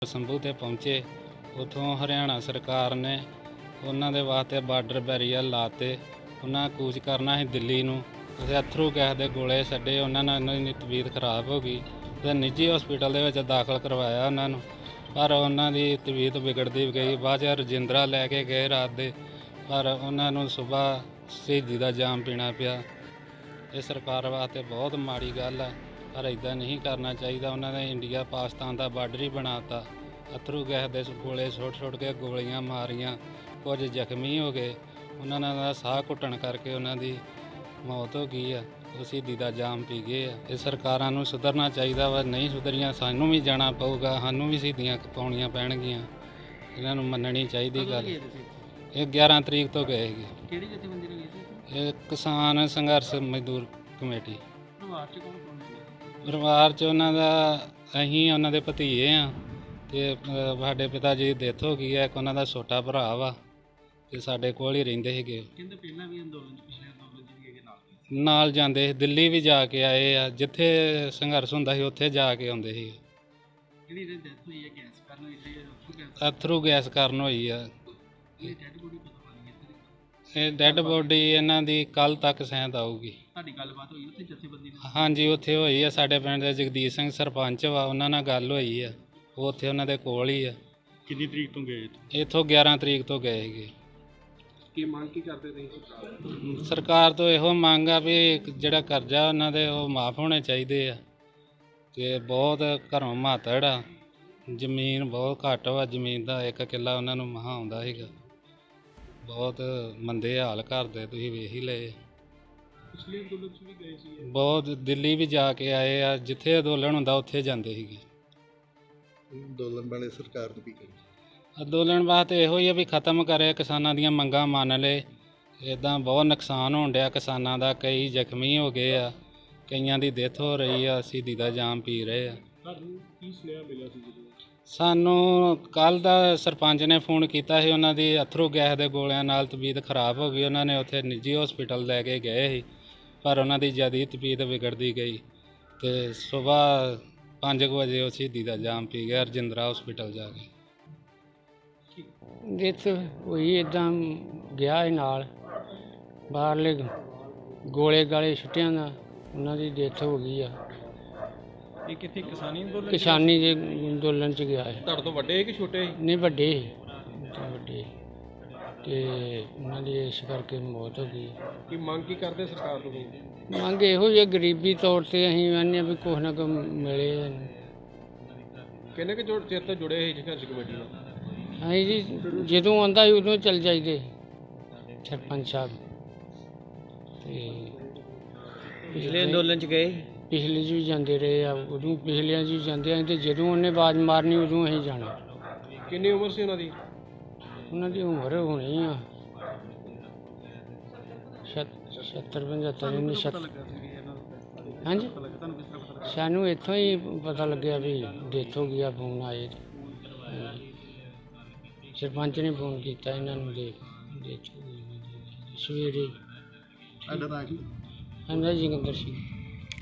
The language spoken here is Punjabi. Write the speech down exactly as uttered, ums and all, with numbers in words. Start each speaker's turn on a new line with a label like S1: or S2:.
S1: ਸੰਭੂ ਤੇ ਪਹੁੰਚੇ। ਉੱਥੋਂ ਹਰਿਆਣਾ ਸਰਕਾਰ ਨੇ ਉਹਨਾਂ ਦੇ ਵਾਸਤੇ ਬਾਰਡਰ ਬੈਰੀਅਰ ਲਾਤੇ। ਉਹਨਾਂ ਕੂਚ ਕਰਨਾ ਸੀ ਦਿੱਲੀ ਨੂੰ, ਉੱਥੇ ਅਥਰੂ ਗੈਸ ਦੇ ਗੋਲੇ ਛੱਡੇ। ਉਹਨਾਂ ਨਾਲ ਉਹਨਾਂ ਦੀ ਤਬੀਅਤ ਖਰਾਬ ਹੋ ਗਈ ਅਤੇ ਨਿੱਜੀ ਹਸਪੀਟਲ ਦੇ ਵਿੱਚ ਦਾਖਲ ਕਰਵਾਇਆ ਉਹਨਾਂ ਨੂੰ, ਪਰ ਉਹਨਾਂ ਦੀ ਤਬੀਅਤ ਵਿਗੜਦੀ ਗਈ। ਬਾਅਦ 'ਚ ਰਜਿੰਦਰਾ ਲੈ ਕੇ ਗਏ ਰਾਤ ਦੇ, ਪਰ ਉਹਨਾਂ ਨੂੰ ਸੁਬਾਹ ਸ਼ਹੀਦੀ ਦਾ ਜਾਮ ਪੀਣਾ ਪਿਆ। ਇਹ ਸਰਕਾਰ ਵਾਸਤੇ ਬਹੁਤ ਮਾੜੀ ਗੱਲ ਆ, ਪਰ ਇੱਦਾਂ ਨਹੀਂ ਕਰਨਾ ਚਾਹੀਦਾ। ਉਹਨਾਂ ਨੇ ਇੰਡੀਆ ਪਾਕਿਸਤਾਨ ਦਾ ਬਾਰਡਰ ਹੀ ਬਣਾਤਾ। ਅਥਰੂ ਗੈਸ ਦੇ ਗੋਲੇ ਸੁੱਟ ਸੁੱਟ ਕੇ ਗੋਲੀਆਂ ਮਾਰੀਆਂ, ਕੁਝ ਜ਼ਖਮੀ ਹੋ ਗਏ। ਉਹਨਾਂ ਦਾ ਸਾਹ ਘੁੱਟਣ ਕਰਕੇ ਉਹਨਾਂ ਦੀ ਮੌਤ ਹੋ ਗਈ ਆ। ਉਹ ਸ਼ਹੀਦੀ ਦਾ ਜਾਮ ਪੀ ਗਏ ਆ। ਇਹ ਸਰਕਾਰਾਂ ਨੂੰ ਸੁਧਰਨਾ ਚਾਹੀਦਾ ਵਾ, ਨਹੀਂ ਸੁਧਰੀਆਂ ਸਾਨੂੰ ਵੀ ਜਾਣਾ ਪਊਗਾ, ਸਾਨੂੰ ਵੀ ਸ਼ਹੀਦੀਆਂ ਪਾਉਣੀਆਂ ਪੈਣਗੀਆਂ। ਇਹਨਾਂ ਨੂੰ ਮੰਨਣੀ ਚਾਹੀਦੀ ਗੱਲ। ਇਹ ਗਿਆਰਾਂ ਤਰੀਕ ਤੋਂ ਗਏ ਸੀਗੇ।
S2: ਕਿਹੜੀ ਜਥੇਬੰਦੀ ਨਾਲ ਗਏ ਸੀ?
S1: ਇਹ ਕਿਸਾਨ ਸੰਘਰਸ਼ ਮਜ਼ਦੂਰ ਕਮੇਟੀ।
S2: ਪਰਿਵਾਰ 'ਚ ਕੌਣ ਕੌਣ ਹੈ?
S1: ਪਰਿਵਾਰ 'ਚ ਉਹਨਾਂ ਦਾ ਅਸੀਂ ਉਹਨਾਂ ਦੇ ਭਤੀਜੇ ਆ, ਅਤੇ ਸਾਡੇ ਪਿਤਾ ਜੀ ਦੀ ਡੈਥ ਹੋ ਗਈ ਹੈ। ਇੱਕ ਉਹਨਾਂ ਦਾ ਛੋਟਾ ਭਰਾ ਵਾ, ਅਤੇ ਸਾਡੇ ਕੋਲ ਹੀ ਰਹਿੰਦੇ ਸੀਗੇ।
S2: ਕਹਿੰਦੇ ਪਹਿਲਾਂ ਵੀ ਅੰਦੋਲਨ 'ਚ ਪਿਛਲੇ ਅੰਦੋਲਨ 'ਚ ਵੀ ਹੈਗੇ ਨਾਲ
S1: ਨਾਲ ਜਾਂਦੇ ਸੀ, ਦਿੱਲੀ ਵੀ ਜਾ ਕੇ ਆਏ ਆ। ਜਿੱਥੇ ਸੰਘਰਸ਼ ਹੁੰਦਾ ਸੀ ਉੱਥੇ ਜਾ ਕੇ ਆਉਂਦੇ ਸੀ।
S2: ਜਿਹੜੀ ਇਹਦੀ ਡੈਥ ਹੋਈ ਹੈ ਗੈਸ ਕਾਰਨ ਹੋਈ ਹੈ, ਅਥਰੂ ਗੈਸ
S1: ਅਥਰੂ ਗੈਸ ਕਾਰਨ ਹੋਈ ਆ।
S2: ਇਹ ਡੈਡ ਬੋਡੀ ਪਤਾ ਪਾਣੀ ਹੈ?
S1: ਇਹ ਡੈੱਡ ਬੋਡੀ ਇਹਨਾਂ ਦੀ ਕੱਲ੍ਹ ਤੱਕ ਸੈਂਦ ਆਊਗੀ।
S2: ਤੁਹਾਡੀ ਗੱਲਬਾਤ ਹੋਈ ਉੱਥੇ ਜਥੇਬੰਦੀ ਨਾਲ?
S1: ਹਾਂਜੀ, ਉੱਥੇ ਹੋਈ ਆ। ਸਾਡੇ ਪਿੰਡ ਦੇ ਜਗਦੀਸ਼ ਸਿੰਘ ਸਰਪੰਚ ਵਾ, ਉਹਨਾਂ ਨਾਲ ਗੱਲ ਹੋਈ ਆ। ਉਹ ਉੱਥੇ ਉਹਨਾਂ ਦੇ ਕੋਲ ਹੀ ਆ।
S2: ਕਿੰਨੀ ਤਰੀਕ ਤੋਂ ਗਏ?
S1: ਇੱਥੋਂ ਗਿਆਰਾਂ ਤਰੀਕ ਤੋਂ ਗਏ ਸੀਗੇ।
S2: ਕੀ ਮੰਗ ਕੀ ਕਰਦੇ ਤੁਸੀਂ ਸਰਕਾਰ?
S1: ਸਰਕਾਰ ਤੋਂ ਇਹੋ ਮੰਗ ਆ ਵੀ ਜਿਹੜਾ ਕਰਜ਼ਾ ਉਹਨਾਂ ਦੇ ਉਹ ਮਾਫ ਹੋਣੇ ਚਾਹੀਦੇ ਆ, ਅਤੇ ਬਹੁਤ ਘਰੋਂ ਮਾਤੜ ਆ। ਜ਼ਮੀਨ ਬਹੁਤ ਘੱਟ ਵਾ, ਜ਼ਮੀਨ ਦਾ ਇੱਕ ਕਿੱਲਾ ਉਹਨਾਂ ਨੂੰ ਮਹਾਂ ਆਉਂਦਾ ਸੀਗਾ। ਬਹੁਤ ਮੰਦੇ ਹਾਲ ਘਰ ਦੇ, ਤੁਸੀਂ ਵੇਖ ਹੀ ਲਏ।
S2: ਪਿਛਲੇ ਅੰਦੋਲਨ 'ਚ ਵੀ ਗਏ ਸੀ?
S1: ਬਹੁਤ ਦਿੱਲੀ ਵੀ ਜਾ ਕੇ ਆਏ ਆ। ਜਿੱਥੇ ਅੰਦੋਲਨ ਹੁੰਦਾ ਉੱਥੇ ਜਾਂਦੇ ਸੀਗੇ।
S3: ਅੰਦੋਲਨ ਵਾਲੇ ਸਰਕਾਰ ਨੂੰ ਕੀ ਕਰੇ?
S1: ਅੰਦੋਲਨ ਵਾਸਤੇ ਇਹੋ ਹੀ ਆ ਵੀ ਖਤਮ ਕਰੇ, ਕਿਸਾਨਾਂ ਦੀਆਂ ਮੰਗਾਂ ਮੰਨ ਲਏ। ਇੱਦਾਂ ਬਹੁਤ ਨੁਕਸਾਨ ਹੋਣ ਡਿਆ ਕਿਸਾਨਾਂ ਦਾ, ਕਈ ਜ਼ਖਮੀ ਹੋ ਗਏ ਆ, ਕਈਆਂ ਦੀ ਡੈਥ ਹੋ ਰਹੀ ਆ, ਸ਼ਹੀਦੀ ਦਾ ਜਾਮ ਪੀ ਰਹੇ ਆ।
S2: ਤੁਹਾਨੂੰ ਕੀ ਸੁਨੇਹਾ ਮਿਲਿਆ ਸੀ ਜਦੋਂ?
S1: ਸਾਨੂੰ ਕੱਲ੍ਹ ਦਾ ਸਰਪੰਚ ਨੇ ਫੋਨ ਕੀਤਾ ਸੀ। ਉਹਨਾਂ ਦੀ ਅਥਰੂ ਗੈਸ ਦੇ ਗੋਲਿਆਂ ਨਾਲ ਤਬੀਅਤ ਖਰਾਬ ਹੋ ਗਈ। ਉਹਨਾਂ ਨੇ ਉੱਥੇ ਨਿੱਜੀ ਹਸਪੀਟਲ ਲੈ ਕੇ ਗਏ ਸੀ, ਪਰ ਉਹਨਾਂ ਦੀ ਜ਼ਿਆਦਾ ਤਬੀਅਤ ਵਿਗੜਦੀ ਗਈ ਅਤੇ ਸੁਬਾਹ ਪੰਜ ਕੁ ਵਜੇ ਉਹ ਸ਼ਹੀਦੀ ਦਾ ਜਾਮ ਪੀ ਗਿਆ ਰਜਿੰਦਰਾ ਹਸਪੀਟਲ ਜਾ ਕੇ।
S4: ਡੈਥ ਹੋਈ ਇੱਦਾਂ ਗਿਆ ਇਹ ਨਾਲ ਬਾਹਰਲੇ ਗੋਲੇ ਗਾਲੇ ਛੁੱਟਿਆਂ ਦਾ ਉਹਨਾਂ ਦੀ ਡੈਥ ਹੋ ਗਈ ਆ।
S2: ਇਹ ਕਿੱਥੇ ਕਿਸਾਨੀ ਅੰਦੋਲਨ?
S4: ਕਿਸਾਨੀ ਦੇ ਅੰਦੋਲਨ 'ਚ ਗਿਆ ਹੈ।
S2: ਤੁਹਾਡੇ ਤੋਂ ਵੱਡੇ ਕਿ ਛੋਟੇ?
S4: ਨਹੀਂ ਵੱਡੇ ਤੇ ਵੱਡੇ, ਅਤੇ ਉਹਨਾਂ ਦੀ ਇਸ ਕਰਕੇ ਮੌਤ ਹੋ ਗਈ।
S2: ਕੀ ਮੰਗ ਕੀ ਕਰਦੇ ਸਰਕਾਰ ਤੋਂ?
S4: ਮੰਗ ਇਹੋ ਹੀ ਹੈ, ਗਰੀਬੀ ਤੌਰ 'ਤੇ ਅਸੀਂ ਕਹਿੰਦੇ ਹਾਂ ਵੀ ਕੁਛ ਨਾ ਕੁਛ ਮਿਲੇ।
S2: ਕਿੰਨੇ ਕੁ ਜੁੜ ਚਿਰ ਤੋਂ ਜੁੜੇ ਸੀ ਸੰਘਰਸ਼ ਕਮੇਟੀ ਨਾਲ?
S4: ਅਸੀਂ ਜੀ ਜਦੋਂ ਆਉਂਦਾ ਸੀ ਉਦੋਂ ਚੱਲ ਜਾਈਦੇ ਸਰਪੰਚ ਸਾਹਿਬ। ਅਤੇ
S2: ਪਿਛਲੇ ਅੰਦੋਲਨ 'ਚ ਗਏ?
S4: ਪਿਛਲੇ 'ਚ ਵੀ ਜਾਂਦੇ ਰਹੇ ਆ, ਉਦੋਂ ਪਿਛਲਿਆਂ 'ਚ ਵੀ ਜਾਂਦੇ ਆ, ਅਤੇ ਜਦੋਂ ਉਹਨੇ ਆਵਾਜ਼ ਮਾਰਨੀ ਉਦੋਂ ਅਸੀਂ ਜਾਣਾ।
S2: ਕਿੰਨੀ ਉਮਰ ਸੀ ਉਹਨਾਂ ਦੀ?
S4: ਉਹਨਾਂ ਦੀ ਉਮਰ ਹੋਣੀ ਆ ਸੱਤਰ ਪਝੱਤਰ ਨਹੀਂ ਸੱਤਰ। ਹਾਂਜੀ, ਸਾਨੂੰ ਇੱਥੋਂ ਹੀ ਪਤਾ ਲੱਗਿਆ ਵੀ ਡੈਥ ਹੋ ਗਈ ਆ। ਫੋਨ ਆਏ, ਸਰਪੰਚ ਨੇ ਫੋਨ ਕੀਤਾ ਇਹਨਾਂ ਨੂੰ ਦੇ ਡੈਥ ਹੋ ਗਈ ਸਵੇਰੇ।
S3: ਸਾਡਾ ਨਾਂ ਕੀ?
S4: ਹਾਂਜੀ, ਜੋਗਿੰਦਰ ਸਿੰਘ।